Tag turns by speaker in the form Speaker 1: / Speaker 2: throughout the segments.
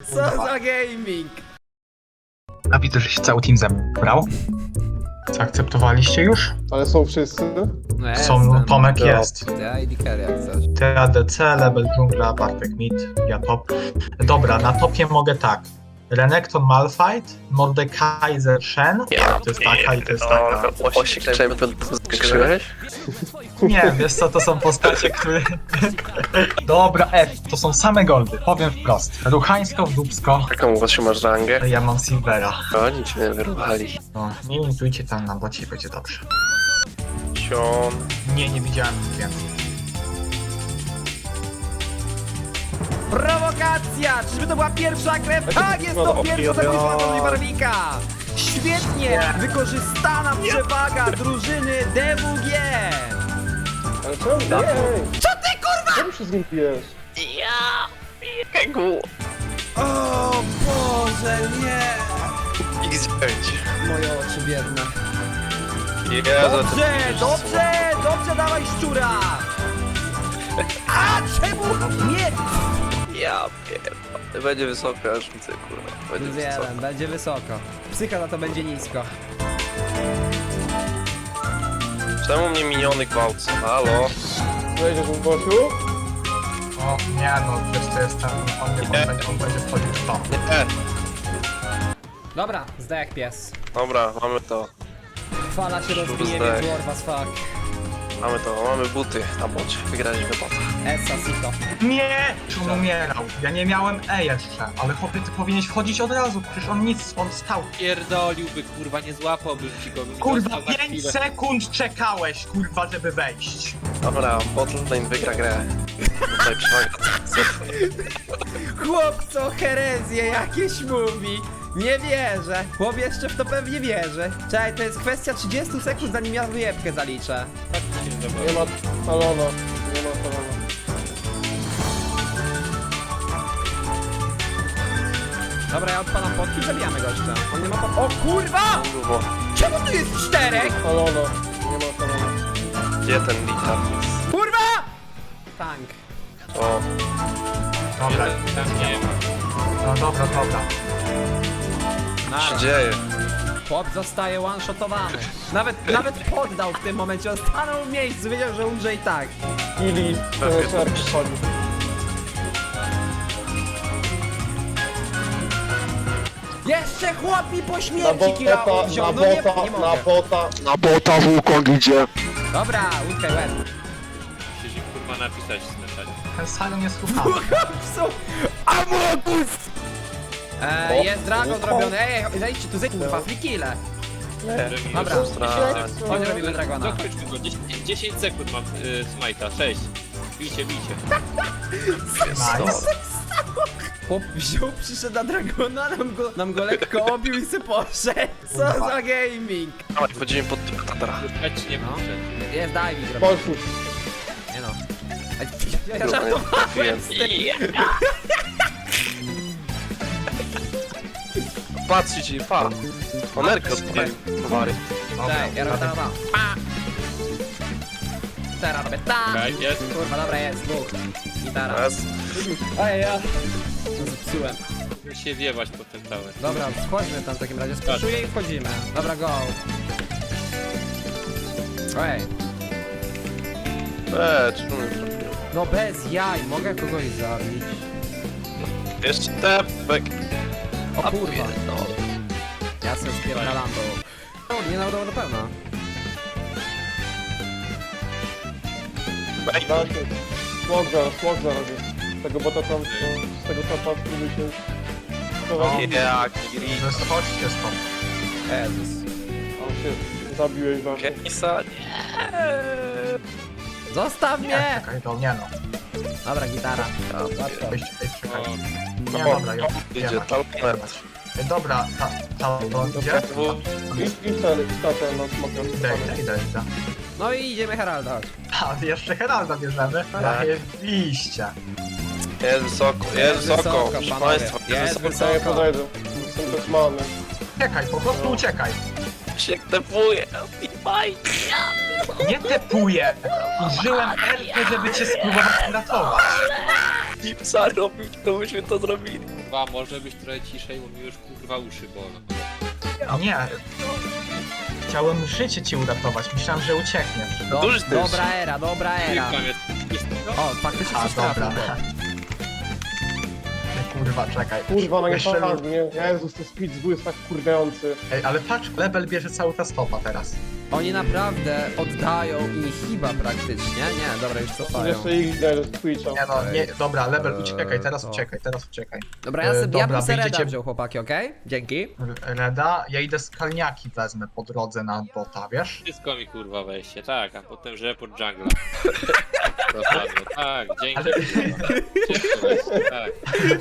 Speaker 1: Co za gaming?
Speaker 2: A widzę, że się cały team zebrał. Zaakceptowaliście już?
Speaker 3: Ale są wszyscy?
Speaker 1: No
Speaker 2: Są, Tomek jest.
Speaker 1: Ja i Dicker jak coś.
Speaker 2: Ty ADC, Lebel Dżungla, Bartek Mid, ja top. Dobra, na topie mogę tak. Renekton Malphite, Mordekaiser Shen. To jest taka i to jest taka.
Speaker 4: Osik Champion skrzyłeś?
Speaker 2: Nie, wiesz co, to są postacie, które... Dobra, to są same goldy, powiem wprost. Ruchańsko w dupsko.
Speaker 4: Jaką właśnie masz rangę?
Speaker 2: Ja mam Silvera.
Speaker 4: Oni cię nie wyruchali.
Speaker 2: No, nie imitujcie tam na bocie i będzie dobrze.
Speaker 4: Sion.
Speaker 2: Nie widziałem nic więcej.
Speaker 1: Prowokacja! Czyżby to była pierwsza krew? Tak, jest to pierwsza zabójstwa Tony Barwika! Świetnie wykorzystana przewaga drużyny DWG!
Speaker 3: Ale czemu? Nie!
Speaker 1: Co ty kurwa?
Speaker 3: Czemu się z nim pijesz?
Speaker 4: Kegu.
Speaker 1: O Boże, nie!
Speaker 4: X9.
Speaker 1: Moje oczy biedne. Dobrze, dawaj szczura! A czemu nie?
Speaker 4: Ja pierdolę. Będzie wysoko, aż widzę, kurwa. Będzie wysoko.
Speaker 1: Wiem, będzie wysoko. Psycha na to będzie nisko.
Speaker 4: Czemu mnie miniony gwałcą? Halo?
Speaker 3: Wejdziesz w Bosiu?
Speaker 2: O, nie no, wiesz co jest tam, on będzie wchodził w to.
Speaker 4: Nie.
Speaker 1: Dobra, zdaj jak pies.
Speaker 4: Dobra, mamy to.
Speaker 1: Fala się rozbije,
Speaker 4: zdech.
Speaker 1: więc war was fuck.
Speaker 4: Mamy to, mamy buty na bocie. Wygraliśmy bota.
Speaker 1: Essa, sito.
Speaker 2: Nie! Czy on umierał? Ja nie miałem E jeszcze, ale chłopie, ty powinieneś wchodzić od razu, przecież on nic, on stał.
Speaker 5: Pierdoliłby, kurwa, nie złapałbym ci go. bym
Speaker 2: Kurwa,
Speaker 5: dostał za
Speaker 2: 5
Speaker 5: chwilę.
Speaker 2: sekund czekałeś, kurwa, żeby wejść.
Speaker 4: Dobra, botlane wygra grę. Tutaj przewaga.
Speaker 1: Chłopco herezje jakieś mówi. Nie wierzę. Chłop jeszcze w to pewnie wierzy. Czekaj, to jest kwestia 30 sekund, zanim ja wyjebkę zaliczę.
Speaker 3: Nie ma talona. Nie ma talona.
Speaker 1: Dobra, ja odpalam potki i zabijamy gościa. On nie ma pot... O kurwa!
Speaker 4: Kurwa.
Speaker 1: Czemu tu jest 4?
Speaker 3: Talona. Nie ma talona.
Speaker 4: Gdzie ten litar jest?
Speaker 1: Kurwa! Tank.
Speaker 4: O,
Speaker 2: Dobra,
Speaker 5: Tam nie ma.
Speaker 2: no dobra.
Speaker 4: co się
Speaker 1: Nara.
Speaker 4: dzieje?
Speaker 1: Chłop zostaje one-shotowany. Nawet poddał w tym momencie. On stanął w miejscu, wiedział, że umrze i tak.
Speaker 3: Ili.
Speaker 4: Pewnie
Speaker 3: Szereg
Speaker 4: to-
Speaker 3: przychodzi.
Speaker 1: Jeszcze chłop mi po
Speaker 3: Na
Speaker 1: śmierci killa
Speaker 3: bota,
Speaker 1: wziął.
Speaker 3: na
Speaker 1: No nie,
Speaker 3: bota,
Speaker 1: nie
Speaker 3: na
Speaker 1: mogę.
Speaker 3: bota.
Speaker 1: Dobra, łódkę łeb.
Speaker 5: Musisz kurwa napisać na czacie.
Speaker 2: Ten Sion jest słuchany.
Speaker 1: Są Amogus! Jest dragon zrobiony. Ej, zejdźcie tu, zejdźcie, kurwa, free kille. Dobra. Chodź, robimy dragona.
Speaker 5: Dokończmy go, 10 sekund mam smajta, 6. Bijcie.
Speaker 2: Nice.
Speaker 1: Chłop wziął, przyszedł na dragona, nam go lekko obił i se poszedł. Co za gaming?
Speaker 4: Dawaj, wchodzimy pod Tatara.
Speaker 5: Leć nie
Speaker 1: No.
Speaker 5: muszę.
Speaker 1: Jest diving robię.
Speaker 3: Bosiu.
Speaker 1: Nie no. Ja żartowałem z tym.
Speaker 4: Patrzcie ci, pa! Onerkę odpalił. Towary.
Speaker 1: Cześć, ja robię teraz tam. Pa! Teraz robię tak.
Speaker 5: Okej, jest.
Speaker 1: Kurwa, dobra, jest, dwóch. Gitara.
Speaker 4: Teraz.
Speaker 1: Ej, ja. Zepsułem.
Speaker 5: Musimy się wiewać po ten tower.
Speaker 1: Dobra, wchodźmy tam w takim razie. Spuszuję i wchodzimy. Dobra, go. Ej,
Speaker 4: Czemu nie zrobiłem?
Speaker 1: no bez jaj, mogę kogoś zabić.
Speaker 4: Jeszcze tepek.
Speaker 1: O kurwa.
Speaker 4: No.
Speaker 1: Ja sobie spierdalam do... Nie naudało do pełna.
Speaker 3: Dajcie. Smog zarobię. Z tego bota tam, z tego tapa próbuj się prowadzić.
Speaker 4: Jak Giri.
Speaker 2: Chodźcie stąd.
Speaker 1: Jezus.
Speaker 3: On się zabiłeś właśnie.
Speaker 4: Kenisa, nie.
Speaker 1: Zostaw
Speaker 2: Nie,
Speaker 1: mnie!
Speaker 2: czekaj, to nie no.
Speaker 1: Dobra, gitara.
Speaker 2: Weź, czekaj.
Speaker 5: O,
Speaker 2: Nie,
Speaker 4: O,
Speaker 2: dobra,
Speaker 4: idzie
Speaker 2: jebać.
Speaker 4: talent.
Speaker 2: Dobra, to gdzie?
Speaker 3: I ten, na smoka.
Speaker 2: Idę.
Speaker 1: No i idziemy Heralda, chodź.
Speaker 2: A, jeszcze Heralda bierzemy?
Speaker 4: Tak.
Speaker 2: Zajebiście.
Speaker 4: Jest wysoko, proszę
Speaker 1: panowie.
Speaker 4: państwa.
Speaker 1: Jest
Speaker 3: Ja nie
Speaker 1: wysoko.
Speaker 3: podejdę. Jestem bez many.
Speaker 2: Uciekaj, po prostu uciekaj.
Speaker 4: się tepuje. Maj.
Speaker 2: Nie tepuję! Użyłem Elkę, żeby cię spróbować uratować.
Speaker 4: Dipsa robić, to byśmy to zrobili.
Speaker 5: Kurwa, może być trochę ciszej, bo mi już kurwa uszy bolą.
Speaker 2: Nie. Chciałem życie ci uratować, myślałem, że uciekniesz.
Speaker 4: Duży też.
Speaker 1: Dobra era.
Speaker 5: Tam jest to?
Speaker 1: O, faktycznie
Speaker 2: A,
Speaker 1: coś trafił.
Speaker 2: dobra. Kurwa, czekaj.
Speaker 3: Kurwa, no nie
Speaker 2: Jeszcze-
Speaker 3: fajnie, nie? Jezus, ten speed z jest tak kurwiający.
Speaker 2: Ej, ale patrz, Lebel bierze cały czas topa teraz.
Speaker 1: Oni naprawdę oddają i chyba praktycznie. Nie, dobra, już cofają.
Speaker 3: Jeszcze Ignite z Twitcha.
Speaker 2: Nie no, nie, dobra, Lebel,
Speaker 1: Eee,
Speaker 2: uciekaj, teraz
Speaker 1: to.
Speaker 2: uciekaj, teraz uciekaj.
Speaker 1: Dobra, ja
Speaker 2: Dobra,
Speaker 1: bym se Reda
Speaker 2: wyjdziecie-
Speaker 1: wziął, chłopaki, okej? Dzięki.
Speaker 2: Reda, ja idę skalniaki wezmę po drodze na bota, wiesz?
Speaker 5: Wszystko mi kurwa weźcie, tak, a potem report jungla. Dokładnie, tak, dzięki.
Speaker 2: Ale-
Speaker 5: Wszystko weźcie, tak.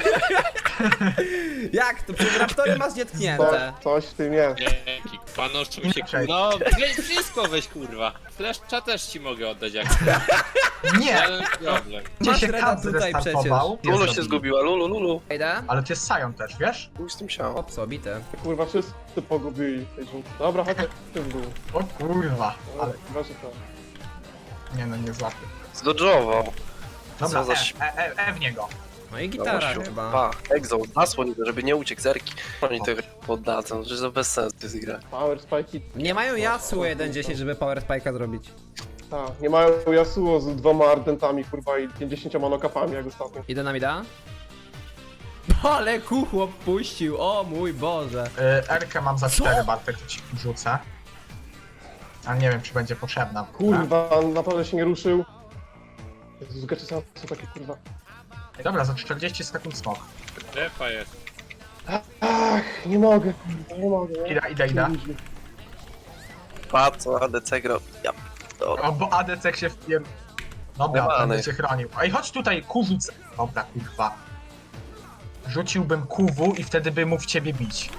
Speaker 1: Jak to? Przecież raptory masz nietknięte.
Speaker 3: Coś w tym jest.
Speaker 5: Dzięki, panoszczą się kurwa. No, weź wszystko weź kurwa. Fleszcza też ci mogę oddać jak
Speaker 2: Nie!
Speaker 5: żaden problem.
Speaker 2: Gdzie
Speaker 1: Masz
Speaker 2: się
Speaker 1: Reda
Speaker 2: Kat
Speaker 1: tutaj
Speaker 2: zrestartował?
Speaker 4: Lulu
Speaker 2: jest
Speaker 4: się
Speaker 2: zabity.
Speaker 4: zgubiła, Lulu.
Speaker 1: Idę.
Speaker 2: Ale to jest Sion też, wiesz?
Speaker 4: Chuj z tym ciałem.
Speaker 1: Ops, obity.
Speaker 3: Kurwa, wszyscy pogubili w tej dżungli. Dobra, chodź w tym dół.
Speaker 2: O kurwa, ale
Speaker 3: Weź to.
Speaker 2: nie no, nie złapię.
Speaker 4: Zdodżował.
Speaker 2: Dobra,
Speaker 4: Co za ś-
Speaker 2: w niego.
Speaker 1: No i gitara
Speaker 4: Gościu.
Speaker 1: chyba.
Speaker 4: Pa, exhaust, zasłoń go, żeby nie uciekł zerki. Oni to poddadzą, że to bez sensu jest gra.
Speaker 3: Power spike.
Speaker 1: Nie mają Yasuo 1.10, żeby Power Spike'a zrobić.
Speaker 3: Tak, nie mają Yasuo z 2 ardentami, kurwa, i 50 monokapami jak ostatnio.
Speaker 1: Idę na mida. Ale kuchłop puścił, o mój Boże.
Speaker 2: Erkę mam za 4, Bartek, to ci rzucę. Ale nie wiem, czy będzie potrzebna.
Speaker 3: Kurwa, naprawdę się nie ruszył. Jezus, gacie są takie kurwa.
Speaker 2: Dobra, za 40 sekund smok.
Speaker 5: Strefa jest.
Speaker 3: Ach, nie mogę, kurwa, nie mogę. Nie?
Speaker 2: Idę.
Speaker 4: Pa, co ADC gra. Ja dobra.
Speaker 2: O, bo ADC się wpier... Dobra,
Speaker 4: Demany.
Speaker 2: będę cię chronił. Ej, chodź tutaj, Q rzucę. Dobra, kurwa. Rzuciłbym QW i wtedy by mógł w ciebie bić.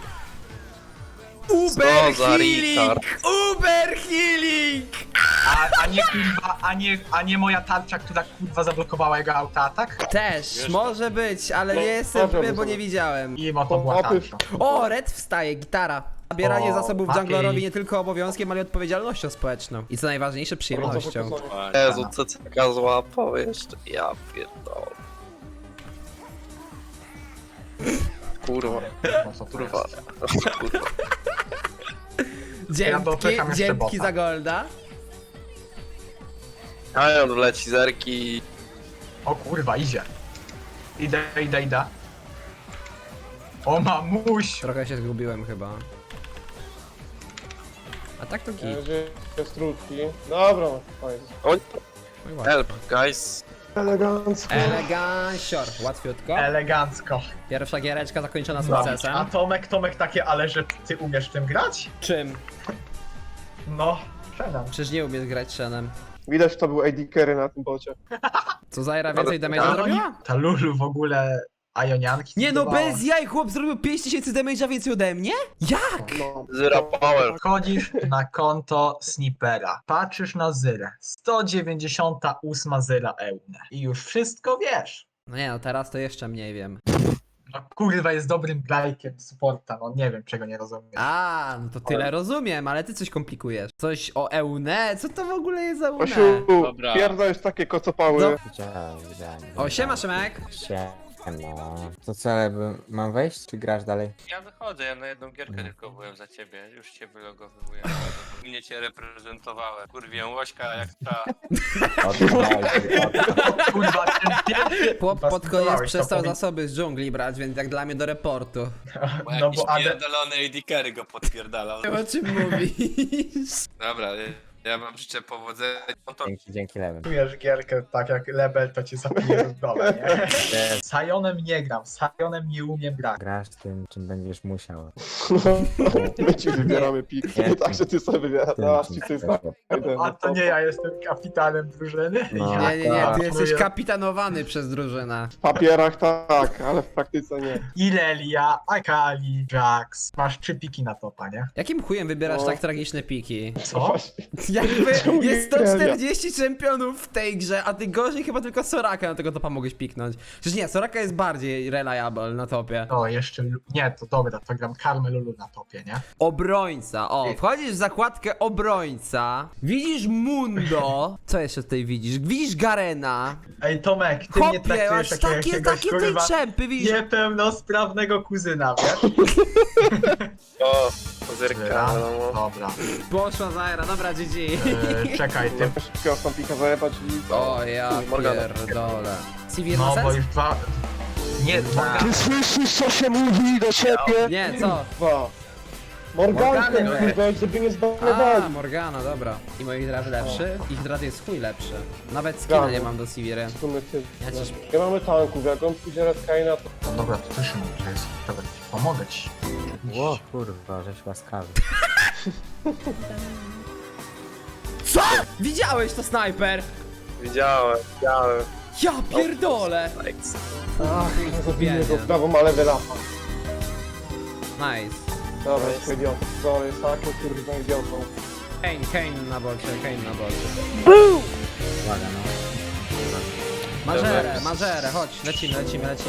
Speaker 1: Uber
Speaker 4: Co za retard.
Speaker 1: Uber healing!
Speaker 2: A nie kurwa, a nie moja tarcza, która kurwa zablokowała jego autoatak?
Speaker 1: Też,
Speaker 5: Wiesz
Speaker 1: może być, ale
Speaker 3: No,
Speaker 1: nie jestem
Speaker 3: dobra,
Speaker 1: pewien, bo
Speaker 3: dobra.
Speaker 1: nie widziałem.
Speaker 2: I mo to była
Speaker 3: Opy-
Speaker 2: tarcza.
Speaker 1: O, Red wstaje, gitara. Zabieranie
Speaker 2: O,
Speaker 1: zasobów
Speaker 2: Mati.
Speaker 1: junglerowi nie tylko obowiązkiem, ale i odpowiedzialnością społeczną. I co najważniejsze, przyjemnością.
Speaker 4: Jezu, CCK złapał jeszcze. Ja pierdolę. Kurwa,
Speaker 2: No co to
Speaker 4: kurwa.
Speaker 2: jest?
Speaker 4: Kurwa.
Speaker 2: Ja dopycham jeszcze
Speaker 1: Dzięki
Speaker 2: bota.
Speaker 1: za golda.
Speaker 4: A on leci zerki.
Speaker 2: O kurwa, idzie. Idę. O mamuś!
Speaker 1: Trochę się zgubiłem chyba. A tak to git.
Speaker 3: Gdzie jest trudki? Dobra, fajnie.
Speaker 4: Oni
Speaker 1: Oj, ładnie.
Speaker 4: help, guys.
Speaker 3: Elegancko.
Speaker 1: Elegancior, łatwiutko.
Speaker 2: Elegancko.
Speaker 1: Pierwsza giereczka zakończona
Speaker 2: A
Speaker 1: sukcesem.
Speaker 2: Tomek takie, ale że ty umiesz tym grać?
Speaker 1: Czym?
Speaker 2: No, przedam.
Speaker 1: Przecież nie umiesz grać Shenem.
Speaker 3: Widać, to był AD carry na tym bocie.
Speaker 1: Co Zaira więcej
Speaker 4: Ale-
Speaker 1: damage'a zrobiła?
Speaker 2: Ta Lulu w ogóle Ionianki
Speaker 1: Nie no,
Speaker 2: zdawała.
Speaker 1: bez jaj, chłop zrobił 5000 damage'a więcej ode mnie? Jak?
Speaker 3: No.
Speaker 4: Zero power.
Speaker 2: Wchodzisz na konto Snipera, patrzysz na zyrę, 198 zyra ełne i już wszystko wiesz.
Speaker 1: No nie no, teraz to jeszcze mniej wiem.
Speaker 2: No kurwa, jest dobrym grajkiem supporta, no nie wiem czego nie rozumiesz.
Speaker 1: A, no to tyle rozumiem, ale ty coś komplikujesz. Coś o Eune? Co to w ogóle jest za Eune?
Speaker 3: Osiu,
Speaker 5: Dobra.
Speaker 3: pierdolisz takie kocopały.
Speaker 1: No.
Speaker 6: Widziałem.
Speaker 1: O, siema Szymek.
Speaker 6: Siema. To co, ale mam wejść, czy grasz dalej?
Speaker 5: Ja wychodzę, ja na jedną gierkę tylko byłem za ciebie, już cię wylogowuję. Mnie cię reprezentowałem. Kurwię łośka jak ta.
Speaker 2: Kurwa, ten pierwszy...
Speaker 1: Chłop
Speaker 2: kurwa,
Speaker 1: pod koniec
Speaker 2: spróbowałeś, to
Speaker 1: przestał
Speaker 2: powiedz-
Speaker 1: zasoby z dżungli brać, więc jak dla mnie do reportu.
Speaker 2: No bo AD...
Speaker 5: pierdolony AD Carry go podpierdalał.
Speaker 1: O czym mówisz?
Speaker 5: Dobra, ja wam życzę powodzenia. No to
Speaker 6: Dzięki lewym.
Speaker 2: Czujesz gierkę tak jak Lebel, to cię zapije w dole, nie? Z Sionem nie gram, z Sionem nie umiem grać.
Speaker 6: Grasz tym, czym będziesz musiał.
Speaker 3: My ci wybieramy pik.
Speaker 6: Nie.
Speaker 3: Także ty sobie wybierasz.
Speaker 6: Tym,
Speaker 3: No,
Speaker 6: czym
Speaker 3: ci ty
Speaker 6: chcesz.
Speaker 2: A to nie ja jestem kapitanem drużyny.
Speaker 6: No.
Speaker 2: Ja
Speaker 1: Nie, nie, nie, ty
Speaker 2: planuję-
Speaker 1: jesteś kapitanowany przez drużynę.
Speaker 3: W papierach tak, ale w praktyce nie.
Speaker 2: Irelia, Akali, Jax. Masz 3 piki na topa, nie?
Speaker 1: Jakim chujem wybierasz
Speaker 3: No.
Speaker 1: tak tragiczne piki?
Speaker 2: Co?
Speaker 3: Właśnie.
Speaker 1: Jakby
Speaker 3: Czemu
Speaker 1: jest
Speaker 3: nie
Speaker 1: 140 czempionów w tej grze, a ty gorzej chyba tylko Soraka na tego topa mogłeś piknąć. Przecież nie, Soraka jest bardziej reliable na topie.
Speaker 2: O, jeszcze... Nie, to dobra, to gram Karmę Lulu na topie, nie?
Speaker 1: Obrońca, o, wchodzisz w zakładkę obrońca, widzisz Mundo, co jeszcze tutaj widzisz? Widzisz Garena,
Speaker 2: Ej, Tomek, ty mnie
Speaker 1: Hopie,
Speaker 2: traktujesz
Speaker 1: aż
Speaker 2: jako
Speaker 1: takie
Speaker 2: jakiegoś,
Speaker 1: tej
Speaker 2: kurwa,
Speaker 1: czempy, widzisz?
Speaker 2: niepełnosprawnego kuzyna, wiesz?
Speaker 4: O,
Speaker 2: Dobra,
Speaker 4: zerka, no.
Speaker 2: dobra.
Speaker 1: Poszła Zaira, dobra, GG.
Speaker 2: Czekaj, ty...
Speaker 3: Szybko sam pika zajebać i...
Speaker 1: O, ja
Speaker 4: Morgana.
Speaker 1: pierdolę. CV ma
Speaker 2: No, bo
Speaker 1: sens?
Speaker 2: już dwa... Nie, Morgana.
Speaker 3: słyszysz, co się mówi do ciebie?
Speaker 1: Nie, co?
Speaker 3: Dwa. Morgankę,
Speaker 1: Morgany,
Speaker 3: kurwa, żeby nie
Speaker 1: A,
Speaker 3: zbanowali.
Speaker 1: Morgana, dobra. I moi draft lepszy? Ich draft jest chuj lepszy. Nawet skina nie mam do CV-ry. Ja ci-
Speaker 3: Nie mamy tanków, jak on pójdzie Red Kaina, to...
Speaker 2: No dobra, to ty Szymon, to jest... Dobra, pomogę ci.
Speaker 6: Ło, kurwa, żeś łaskawy.
Speaker 1: Co? Widziałeś to, snajper?
Speaker 4: Widziałem.
Speaker 1: Ja pierdolę!
Speaker 4: Likes.
Speaker 3: Ach, zabiję
Speaker 1: Biednie.
Speaker 3: go w prawo, ale wylapa.
Speaker 1: Nice.
Speaker 3: Dobra, jest idiotą. Dobra, jest takim kurwa idiotą.
Speaker 1: Kane na bolcie, Kane na bolcie.
Speaker 6: Uwaga, no.
Speaker 1: Mażerę, chodź, lecimy.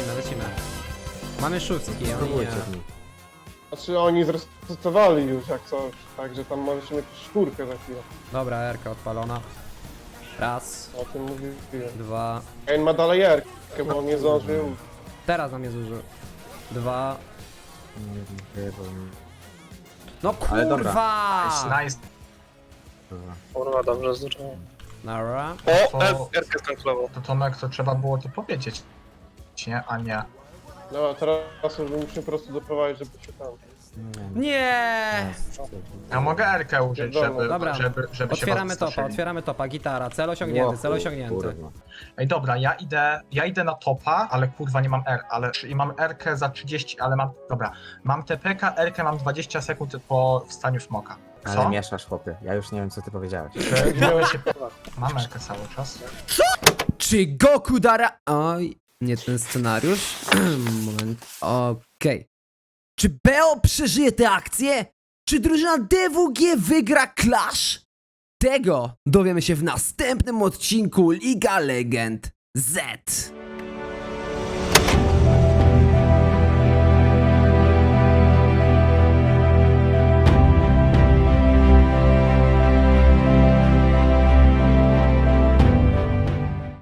Speaker 1: Mamy szóstki, oni nie.
Speaker 6: Spróbujcie z nim.
Speaker 3: Znaczy oni zresetowali już jak coś, także tam możecie mieć czwórkę za chwilę.
Speaker 1: Dobra, Erka odpalona. Raz,
Speaker 3: O tym mówiłem.
Speaker 1: dwa.
Speaker 3: Kane ma dalej Erkę, bo on nie zdążył.
Speaker 1: Teraz na mnie zużył. Dwa.
Speaker 6: Nie wiem,
Speaker 1: No
Speaker 6: Ale dobra.
Speaker 1: kurwa!
Speaker 2: Nice.
Speaker 6: kurwa.
Speaker 4: Kurwa, dobrze zacząłem.
Speaker 1: Nara.
Speaker 4: O,
Speaker 2: To-
Speaker 4: Erkę skanklował.
Speaker 2: To Tomek, to trzeba było to powiedzieć, nie? A nie.
Speaker 3: No teraz już musimy po prostu doprowadzić, żeby się tam.
Speaker 1: Nie!
Speaker 2: Ja mogę Erkę użyć, żeby,
Speaker 1: Dobra.
Speaker 2: żeby się
Speaker 1: Otwieramy topa, gitara, cel osiągnięty.
Speaker 6: Kurwa.
Speaker 2: Ej, dobra, ja idę na topa, ale kurwa nie mam R, ale i mam Rkę za 30, ale mam, dobra, mam TPK, Rkę mam 20 sekund po wstaniu smoka.
Speaker 6: Ale
Speaker 2: Co?
Speaker 6: mieszasz, chłopie. Ja już nie wiem, co ty powiedziałeś.
Speaker 2: Miałeś się... Mam Rkę cały czas.
Speaker 1: Czy Goku Dara... Oj, nie ten scenariusz. Moment. Okej. Czy BO przeżyje tę akcję? Czy drużyna DWG wygra Clash? Tego dowiemy się w następnym odcinku Liga Legend Z.